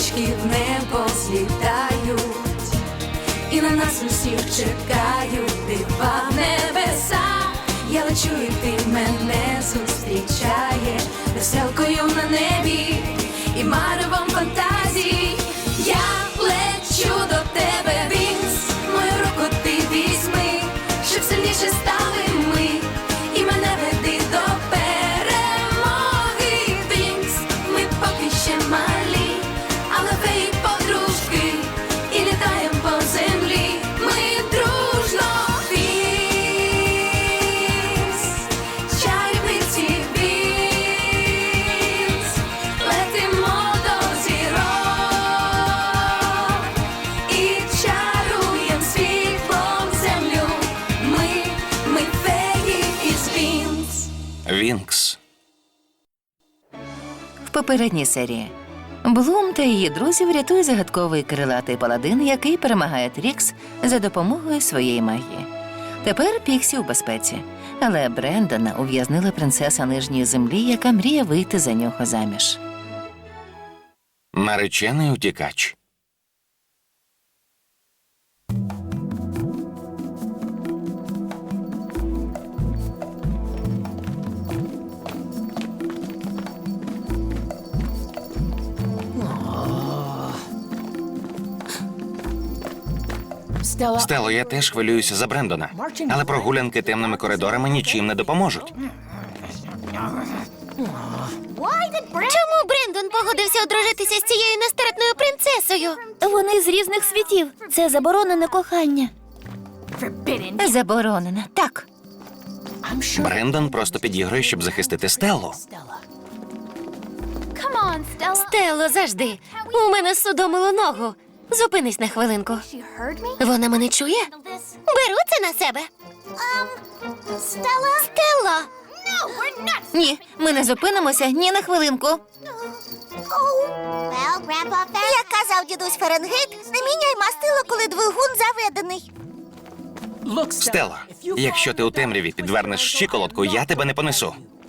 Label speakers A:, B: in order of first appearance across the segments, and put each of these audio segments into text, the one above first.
A: пташки в небо злітають, і на нас усіх чекають дива в небеса. Я лечу, і ти мене зустрічаєш веселкою на небі і маревом фантазій. Я лечу до тебе, Вінкс, мою руку ти візьми, щоб сильніше стали ми, і мене веди до перемоги, Вінкс. Ми поки ще малі, але феї подружки, і літаємо по землі. Ми дружно, Вінкс, чарівниці Вінкс, летимо до зірок і чаруєм світлом землю. Ми феї із Вінкс.
B: Вінкс.
C: В попередній серії Блум та її друзів рятує загадковий крилатий паладин, який перемагає Трікс за допомогою своєї магії. Тепер Піксі у безпеці, але Брендона ув'язнила принцеса Нижньої землі, яка мріє вийти за нього заміж.
B: Наречений утікач. Стело, я теж хвилююся за Брендона. Але прогулянки темними коридорами нічим не допоможуть.
D: Чому Брендон погодився одружитися з цією нестерпною принцесою? Вони з різних світів. Це заборонене кохання.
C: Заборонена, так.
B: Брендон просто підігрує, щоб захистити Стеллу.
D: Стелло, завжди. У мене судомило ногу. Зупинись на хвилинку. Вона мене чує? Беру це на себе. Стелло!
C: Ні, ми не зупинимося ні на хвилинку.
D: Як казав дідусь Фаренгейт, не міняй мастило, коли двигун заведений.
B: Стело, якщо ти у темряві підвернеш щиколотку, я тебе не понесу.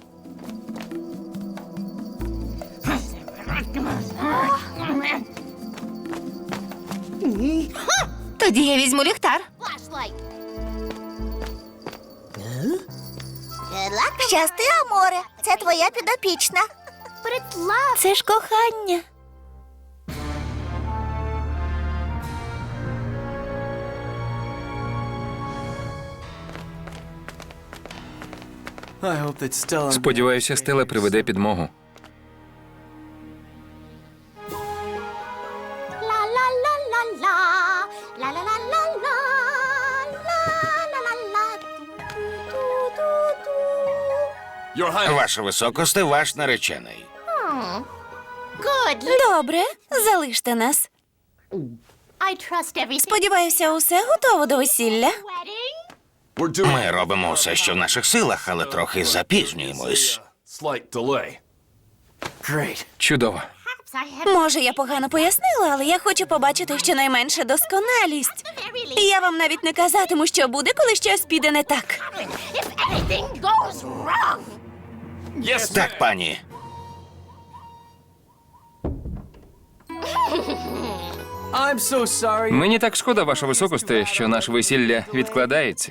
C: Тоді я візьму ліхтар.
D: Щасти, Аморе. Це твоя підопічна. Це ж кохання.
E: Сподіваюся, Стелла приведе підмогу.
B: Ваше високосте, ваш наречений.
D: Добре, залиште нас. Сподіваюся, усе готово до весілля.
B: Ми робимо все, що в наших силах, але трохи запізнюємось.
E: Чудово.
D: Може, я погано пояснила, але я хочу побачити щонайменше досконалість. І я вам навіть не казатиму, що буде, коли щось піде не так.
B: Так, пані.
E: Мені так шкода, ваше високосте, що наше весілля відкладається.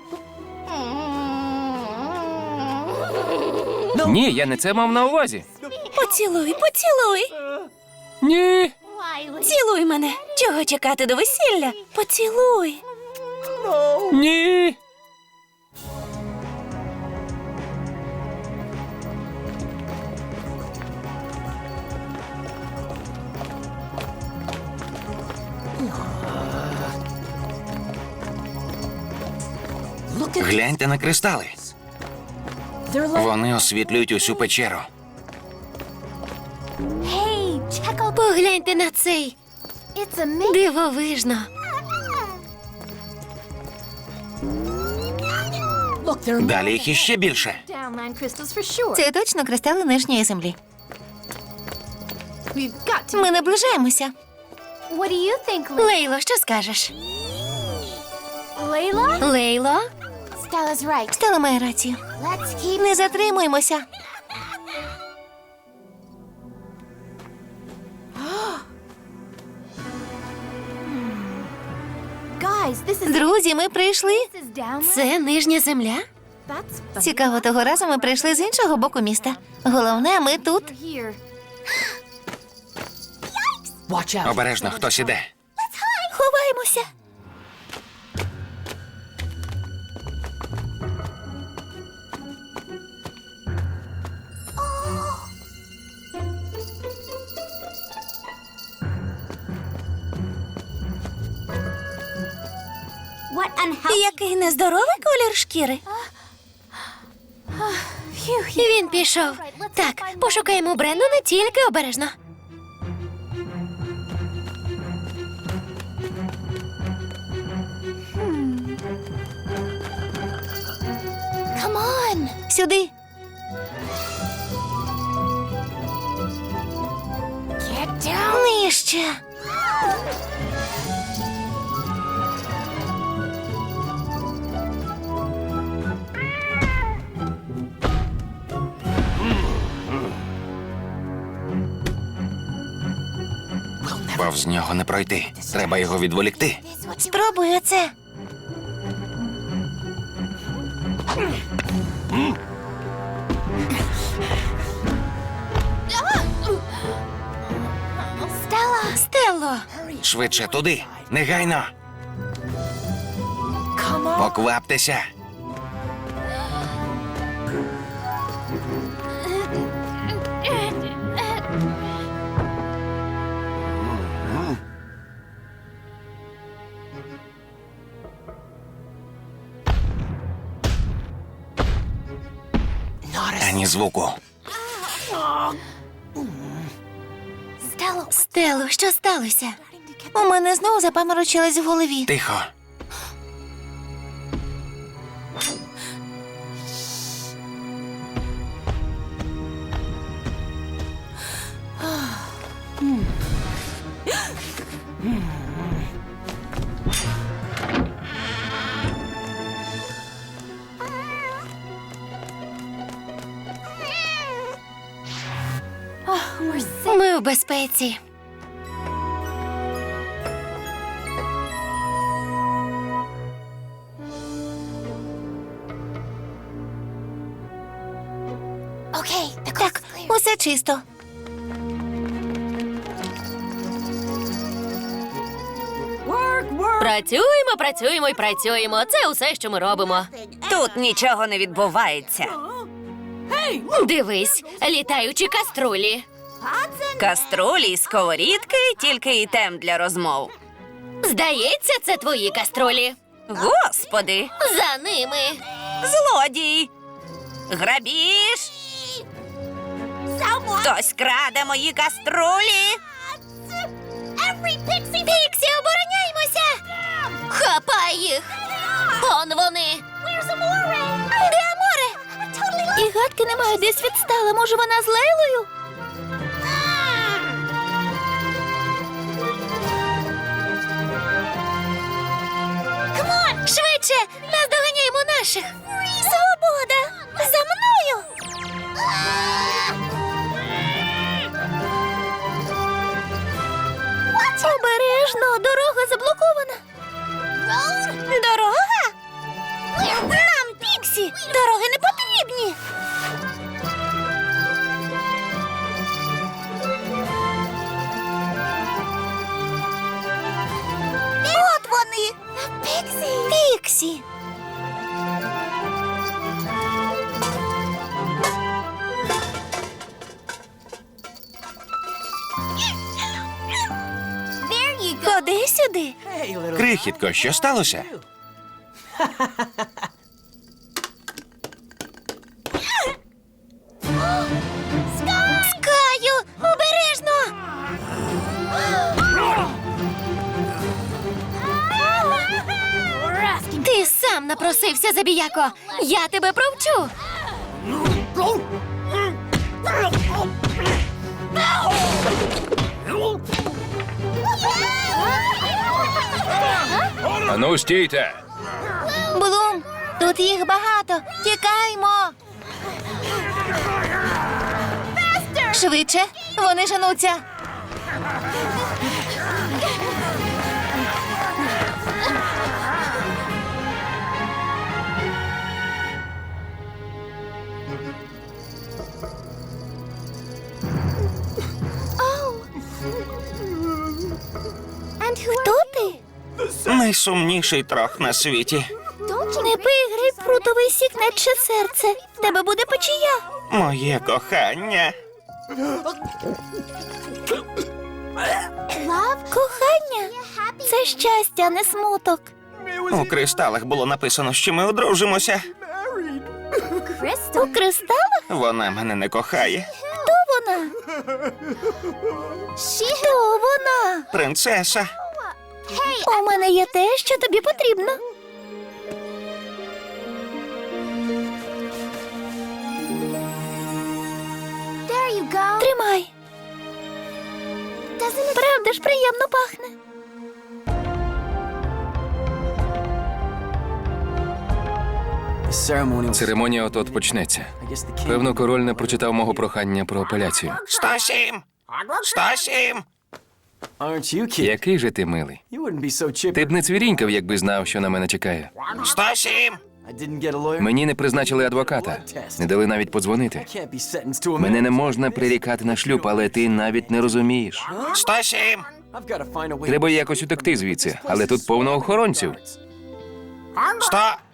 E: Ні, я не це мав на увазі.
D: Поцілуй, поцілуй.
E: Ні.
D: Цілуй мене. Чого чекати до весілля? Поцілуй.
E: Ні.
B: Гляньте на кристали. Вони освітлюють усю печеру.
D: Погляньте на цей. Дивовижно.
B: Далі їх іще більше.
C: Це точно кристали Нижньої землі. Ми наближаємося.
D: Лейло, що скажеш? Лейло?
C: Стелла має рацію. Не затримуємося. Друзі, ми прийшли.
F: Це нижня земля?
C: Цікаво, того разу ми прийшли з іншого боку міста. Головне, ми тут.
B: Обережно, хтось іде.
C: Ховаємося.
D: Який нездоровий колір шкіри.
F: Він пішов. Так, пошукаємо Брендона, тільки обережно.
C: Сюди. Нижче.
B: Повз нього не пройти. Треба його відволікти.
C: Спробуй оце.
F: Стелло!
B: Швидше туди. Негайно. Покваптеся. Ані звуку.
F: Стелло, що сталося?
C: У мене знову запаморочилось в голові.
B: Тихо.
F: Ми в безпеці.
C: Так, усе чисто.
F: Працюємо, працюємо і працюємо. Це усе, що ми робимо.
D: Тут нічого не відбувається.
F: Дивись, літаючі каструлі.
D: Каструлі й сковорідки тільки і тем для розмов.
F: Здається, це твої каструлі.
D: Господи,
F: За ними.
D: злодій! Грабіж! Хтось краде мої каструлі!
F: Піксі, обороняймося! Хапай їх! Он вони!
C: Де Аморе? І гадки немає, десь відстала. Може, вона з Лейлою?
F: Швидше! Наздоганяємо наших! Свобода! За мною!
C: Обережно, дорога заблокована.
D: Дорога?
C: Нам, Піксі, дороги не потрібні. От вони. Піксі. Ходи сюди.
B: Крихітко, що сталося?
C: Скаю, обережно.
F: Ти сам напросився, забіяко! Я тебе провчу!
E: Ану, стійте!
C: Блум, тут їх багато. Тікаймо. Швидше, вони женуться.
D: Хто ти?
B: Найсумніший трох на світі.
D: Не пий грейпфрутовий сік, наче серце. В тебе буде печія.
B: Моє кохання.
D: Кохання? Це щастя, а не смуток.
B: У кристалах було написано, що ми одружимося.
D: У кристалах?
B: Вона мене не кохає.
D: Хто вона? Хто вона?
B: Принцеса.
D: У мене є те, що тобі потрібно. Тримай. Правда ж приємно пахне?
E: Церемонія от-от почнеться. Певно, король не прочитав мого прохання про апеляцію.
B: 107! 107!
E: Який же ти милий. Ти б не цвірінькав, якби знав, що на мене чекає.
B: 107!
E: Мені не призначили адвоката, не дали навіть подзвонити. Мене не можна прирікати на шлюб, але ти навіть не розумієш.
B: 107!
E: Треба якось утекти звідси, але тут повно охоронців.
B: 100!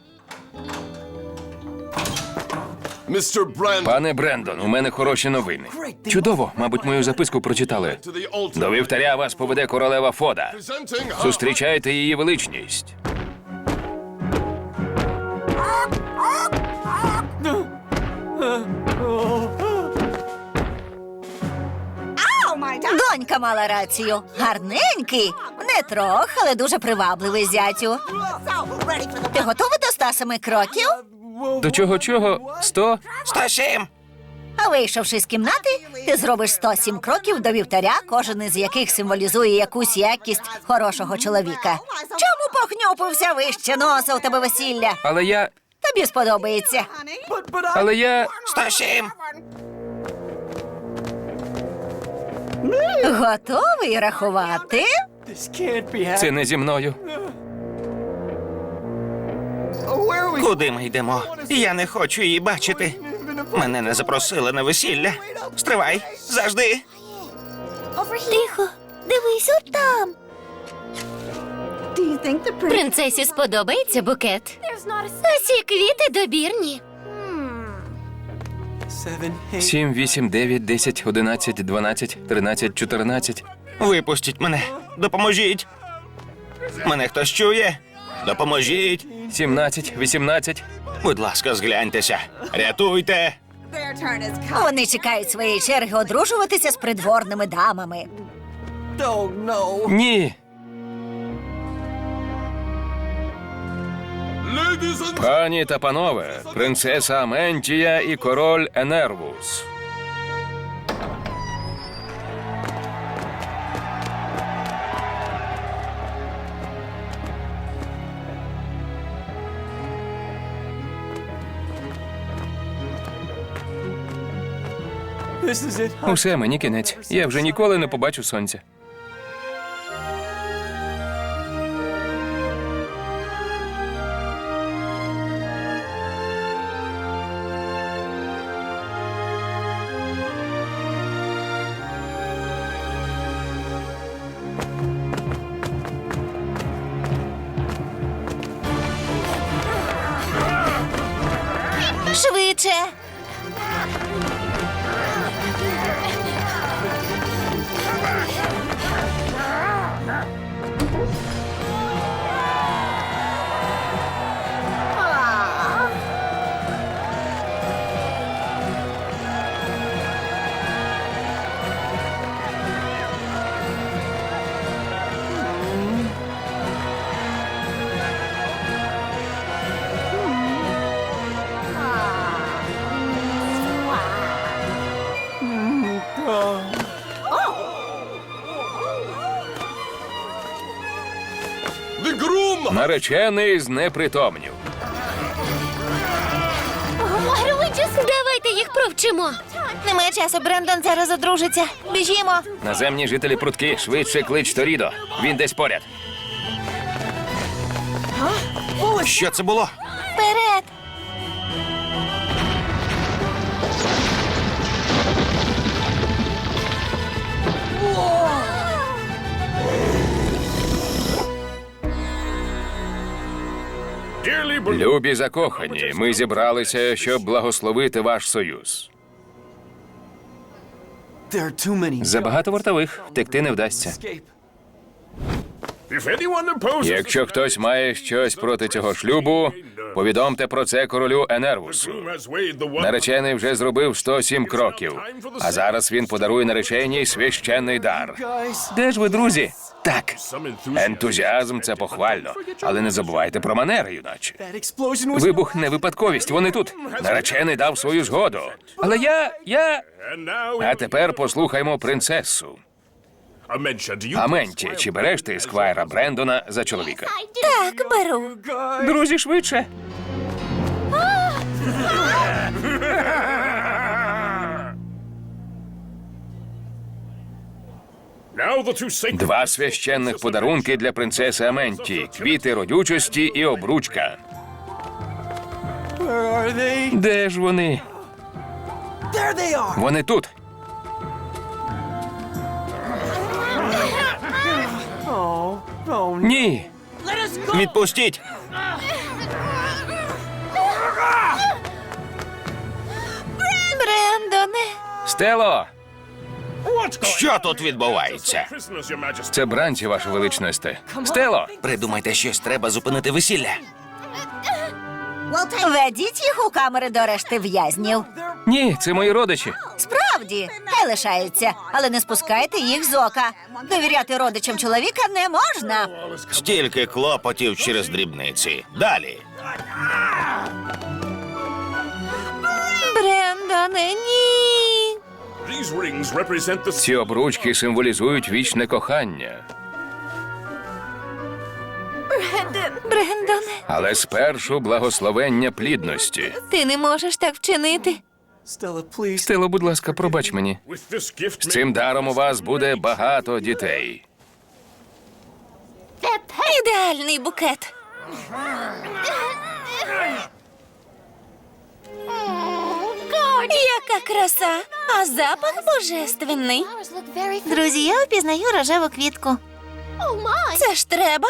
E: Пане Брендон, у мене хороші новини. Чудово, мабуть, мою записку прочитали. До вівтаря вас поведе королева Фода. Зустрічайте її величність.
G: Донька мала рацію. Гарненький. Не трох, але дуже привабливий зятю. Ти готовий до 107 кроків?
E: До чого-чого? 100?
B: 107!
G: А вийшовши з кімнати, ти зробиш 107 кроків до вівтаря, кожен із яких символізує якусь якість хорошого чоловіка. Чому похнюпився вище носа у тебе весілля?
E: Але я...
G: Тобі сподобається.
E: Але я...
B: 107!
G: Готовий рахувати?
E: Це не зі мною.
B: Куди ми йдемо? Я не хочу її бачити. Мене не запросили на весілля. Стривай, завжди.
D: Тихо, дивись отам.
F: Принцесі сподобається букет. Усі квіти добірні.
E: 7, 8, 9, 10, 11, 12, 13, 14.
B: Випустіть мене. Допоможіть. Мене хтось чує? Допоможіть.
E: 17, 18.
B: Будь ласка, згляньтеся. Рятуйте.
G: Вони чекають своєї черги одружуватися з придворними дамами.
E: Ні. Пані та панове, принцеса Аментія і король Енервус. Усе, мені кінець. Я вже ніколи не побачу сонця.
G: Швидше.
E: Наречений знепритомнів.
F: Давайте їх провчимо.
D: Немає часу, Брендон зараз одружиться. Біжімо.
E: Наземні жителі прудки, швидше клич Торідо. Він десь поряд.
B: Що це було?
D: Вперед.
E: Любі закохані, ми зібралися, щоб благословити ваш союз. Забагато вартових, втекти не вдасться. Якщо хтось має щось проти цього шлюбу, повідомте про це королю Енервусу. Наречений вже зробив 107 кроків, а зараз він подарує нареченій священний дар. Де ж ви, друзі? Так, ентузіазм – це похвально, але не забувайте про манери, юначе. Вибух не випадковість, вони тут. Наречений дав свою згоду. Але я... А тепер послухаймо принцесу. Аменті, чи береш ти сквайра Брендона за чоловіка?
D: Так, беру.
E: Друзі, швидше. Два священних подарунки для принцеси Аменті. Квіти родючості і обручка. Де ж вони? Вони тут. Ні.
B: Відпустіть!
D: Брендоне.
E: Стело!
B: Що тут відбувається?
E: Це бранці, ваше величність. Стело!
B: Придумайте щось, треба зупинити весілля.
G: Ведіть їх у камери до решти в'язнів.
E: Ні, це мої родичі.
G: Справді, хай лишаються, але не спускайте їх з ока. Довіряти родичам чоловіка не можна.
B: Стільки клопотів через дрібниці. Далі.
D: Брендоне, ні.
E: Ці обручки символізують вічне кохання.
D: Брендоне,
E: Але спершу благословення плідності.
D: ти не можеш так вчинити.
E: Стело, будь ласка, пробач мені. З цим даром у вас буде багато дітей.
D: Ідеальний букет. Яка краса, а запах божественний. Друзі, я впізнаю рожеву квітку. Це ж треба?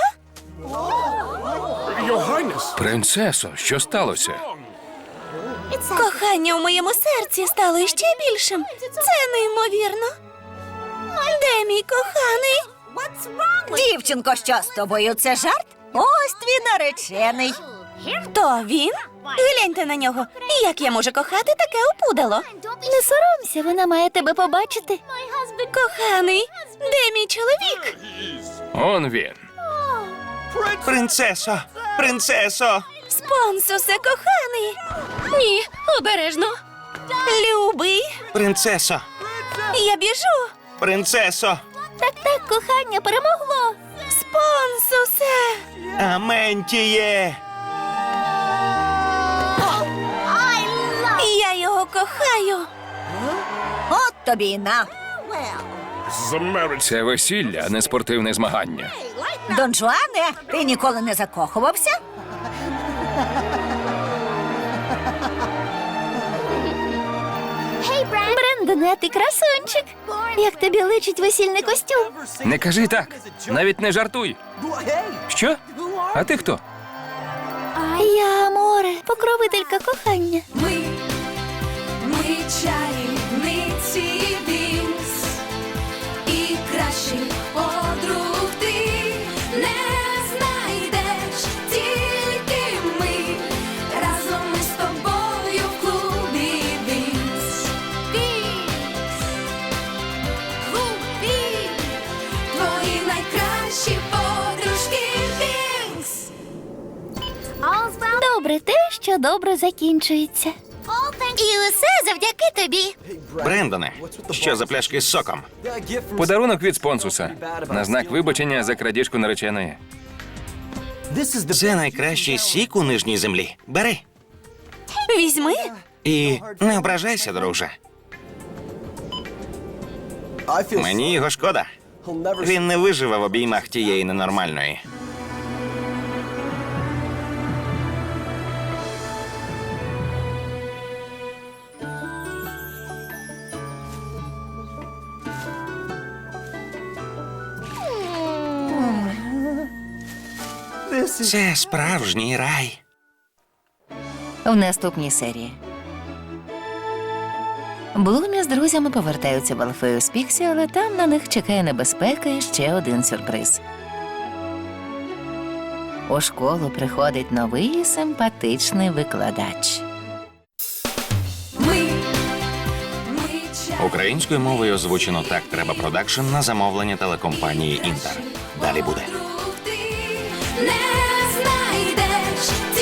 E: Принцесо, що сталося?
D: Кохання у моєму серці стало іще більшим. Це неймовірно. Де мій коханий?
G: Дівчинко, що з тобою? Це жарт? Ось твій наречений.
D: Хто він? Гляньте на нього. Як я можу кохати таке опудало? Не соромся, вона має тебе побачити. Коханий, де мій чоловік?
E: Он він.
B: Принцесо! Принцесо!
D: Спонсусе, коханий. Ні, обережно. Любий,
B: Принцесо!
D: я біжу.
B: Принцесо!
D: Так, кохання перемогло. Спонсусе.
B: Аментіє!
D: Я його кохаю.
G: От тобі й на.
E: Це весілля, а не спортивне змагання.
G: Дон Жуане, ти ніколи не закохувався?
D: Брендоне, ти красунчик. Як тобі личить весільний костюм?
E: Не кажи так. Навіть не жартуй. Що? А ти хто?
D: Я Аморе, покровителька кохання.
A: Ми чарівниці Вінкс, і кращих подруг ти не знайдеш, тільки ми разом ми з тобою в клубі Вінкс. Вінкс, клуб Вінкс, твої найкращі подружки Вінкс.
D: Добре те, що добре закінчується. І усе завдяки тобі.
B: Брендоне, що за пляшки з соком?
E: Подарунок від спонсуса. На знак вибачення за крадіжку нареченої.
B: Це найкращий сік у нижній землі. Бери.
D: Візьми.
B: І не ображайся, друже. Мені його шкода. Він не виживе в обіймах тієї ненормальної. Це справжній рай.
C: в наступній серії. Блумі з друзями повертаються в Алфею з Піксі, але там на них чекає небезпека і ще один сюрприз. У школу приходить новий симпатичний викладач.
A: Ми
B: Українською мовою озвучено «Так треба продакшн» на замовлення телекомпанії «Інтер». Далі буде.
A: не знайдеш.